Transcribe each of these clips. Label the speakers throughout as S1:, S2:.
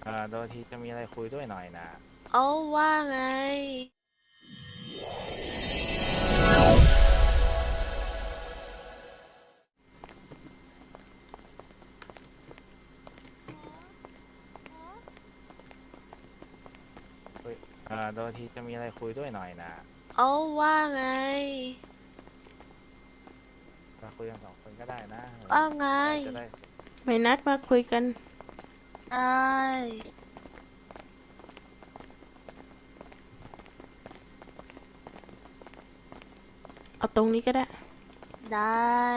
S1: โดยที่จะมีอะไรคุยด้วยหน่อยนะ
S2: เอาว่าไง
S1: คุยโดยที่จะมีอะไรคุยด้วยหน่อยนะ
S2: เอาว่าไง
S1: มาคุยกัน2 คนก็ได้นะ
S2: ว่าไง
S1: จะได้
S3: ไม่นัดมาคุยกัน
S2: ได้
S3: เอาตรงนี้ก็ได้
S2: ได้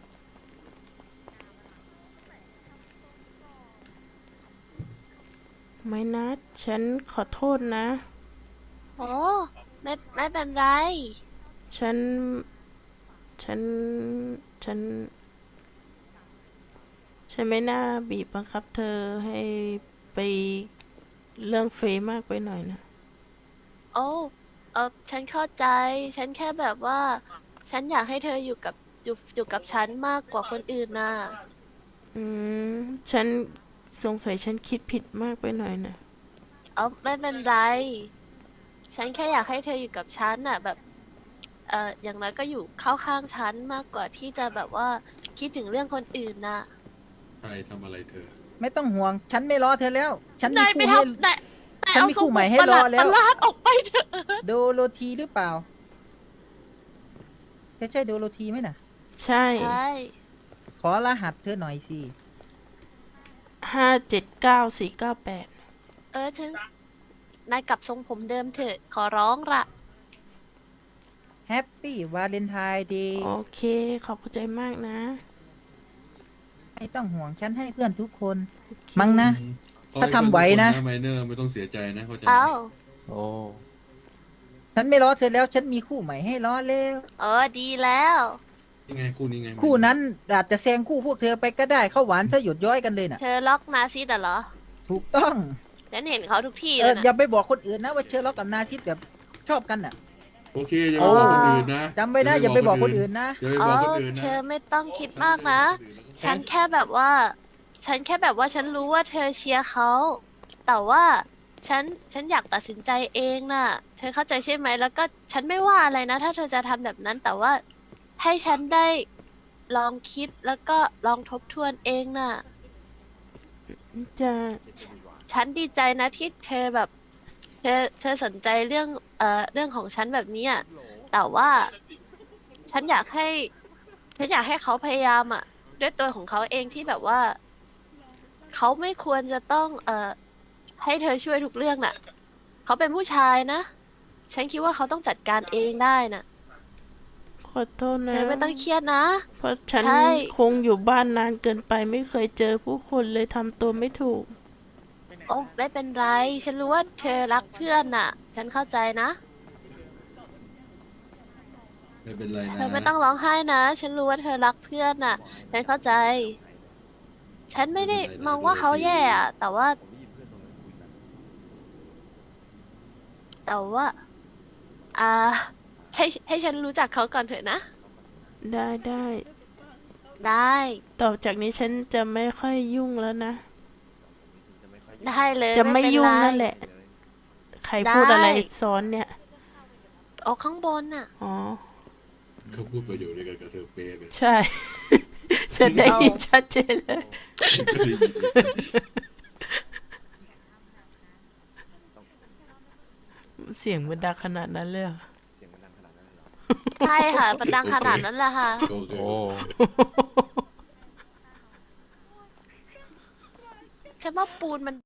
S3: ไม่นัดฉันขอโทษนะ
S2: โอ้ไม่เป็นไร
S3: ฉัน ฉัน ฉัน ฉันไม่น่าบีบบังคับเธอให้ไปเรื่องเฟยมากไปหน่อยนะ
S2: โอ้ฉันเข้าใจ ฉันแค่แบบว่า ฉันอยากให้เธออยู่กับฉันมากกว่าคนอื่นน่ะ
S3: อืม ฉันสงสัยฉันคิดผิดมากไปหน่อยนะ
S2: ไม่เป็นไร ฉันแค่อยากให้เธออยู่กับฉันน่ะแบบอย่างน้อยก็อยู่เข้าข้างฉันมากกว่าที่จะแบบว่าคิดถึงเรื่องคนอื่นน่ะ
S4: ใครทำอะไรเธอ
S5: ไม่ต้องห่วง ฉันไม่รอเธอแล้ว ฉันมี
S2: นายไป
S5: คู่ให้
S2: ทำนาย
S5: ฉัน
S2: เอา
S5: มี
S2: ส
S5: คู่
S2: มุ
S5: ใหม่
S2: ด
S5: ให้
S2: ประ
S5: ร
S2: ห
S5: อ
S2: ลาด
S5: แล้ว
S2: ออกไปเถอะ
S5: โดโรธีหรือเปล่าเธอใช่โดโรธีไหมน่ะ
S3: ใช่
S2: ใช่
S5: ขอรหัสเธอหน่อยสิ
S3: 579498
S2: ถึงนายกลับทรงผมเดิมเถอะขอร้องละ
S5: แฮปปี้วาเลนไทน์เดย์
S3: โอเค ขอบใจมากนะ
S5: ไม่ต้องห่วง ฉันให้เพื่อนทุกคน
S3: โอเค
S5: มั้งนะ ถ้าทำไหวนะ
S4: ไมเนอร์ไม่ต้องเสียใจนะเข้าใจไหม
S2: เอ้า
S1: โอ้
S5: ฉันไม่รอเธอแล้ว ฉันมีคู่ใหม่ให้รอแล้ว
S2: ดีแล้ว
S4: นี่ไงคู่นี้ไง
S5: คู่นั้นอาจจะแซงคู่พวกเธอไปก็ได้ เข้าหวานซะหยดย้อยกันเลยน่ะ
S2: เธอล็อกนาซิดเหรอ
S5: ถูกต้อง
S2: ฉันเห็นเขาทุกที่เลย
S5: อย่า
S2: นะ
S5: ไปบอกคนอื่นนะว่าเชอร์ล็อกกับนาซิสแบบชอบกันน่ะ
S4: โอเคอย่าไปบอกคนอื่นนะ
S5: จำไว้นะ อย่าไปบอกคนอื่นนะ
S4: อย่าไปบอกคนอื่นนะ
S2: เธอไม่ต้องคิดมากนะ ฉันแค่แบบว่า ฉันรู้ว่าเธอเชียร์เขา แต่ว่าฉันอยากตัดสินใจเองน่ะ เธอเข้าใจใช่ไหม แล้วก็ฉันไม่ว่าอะไรนะ ถ้าเธอจะทำแบบนั้น แต่ว่าให้ฉันได้ลองคิดแล้วก็ลองทบทวนเองน่ะ
S3: จะ
S2: ฉันดีใจนะที่เธอแบบ เธอสนใจเรื่องของฉันแบบนี้อ่ะ แต่ว่าฉันอยากให้เขาพยายามอ่ะ ด้วยตัวของเขาเองที่แบบว่า เขาไม่ควรจะต้องให้เธอช่วยทุกเรื่องน่ะ เขาเป็นผู้ชายนะ ฉันคิดว่าเขาต้องจัดการเองได้น่ะ
S3: ขอโทษ
S2: เธ
S3: นะ
S2: อไม่ต้องเครียดนะ
S3: เพราะฉัน
S2: ใช่
S3: คงอยู่บ้านนานเกินไปไม่เคยเจอผู้คนเลยทำตัวไม่ถูก
S2: โอ้ไม่เป็นไร ฉันรู้ว่าเธอรักเพื่อนน่ะ ฉันเข้าใจนะ
S4: ไม่เป็นไรนะ
S2: เธอไม่ต้องร้องไห้นะ ฉันรู้ว่าเธอรักเพื่อนน่ะ ฉันเข้าใจ ฉันไม่ได้มองว่าเขาแย่อะแต่ว่า อ่า ให้ฉันรู้จักเขาก่อนเถอะนะ
S3: ได้
S2: ได้
S3: ต่อจากนี้ฉันจะไม่ค่อยยุ่งแล้วนะ
S2: ได้เลย
S3: จะไม่
S2: เป็น
S3: ยุ่ง
S2: ไร
S3: นั่นแหละ ใครพูดอะไรซ้อนเนี่ย
S2: โอ้ข้างบนน่ะ
S3: อ๋อ
S4: เขาพูดประโยชน์ด้วยกันกับเธอเป๊ะเลย
S3: ใช่ ฉันได้ยินชัดเจนเลย เสียงมันดังขนาดนั้นเลยเหรอ
S2: ใช่ค่ะมันดังขนาดนั้นแหละค่ะ
S4: โอเค
S1: โอ้
S2: ฉันว่าปูนมัน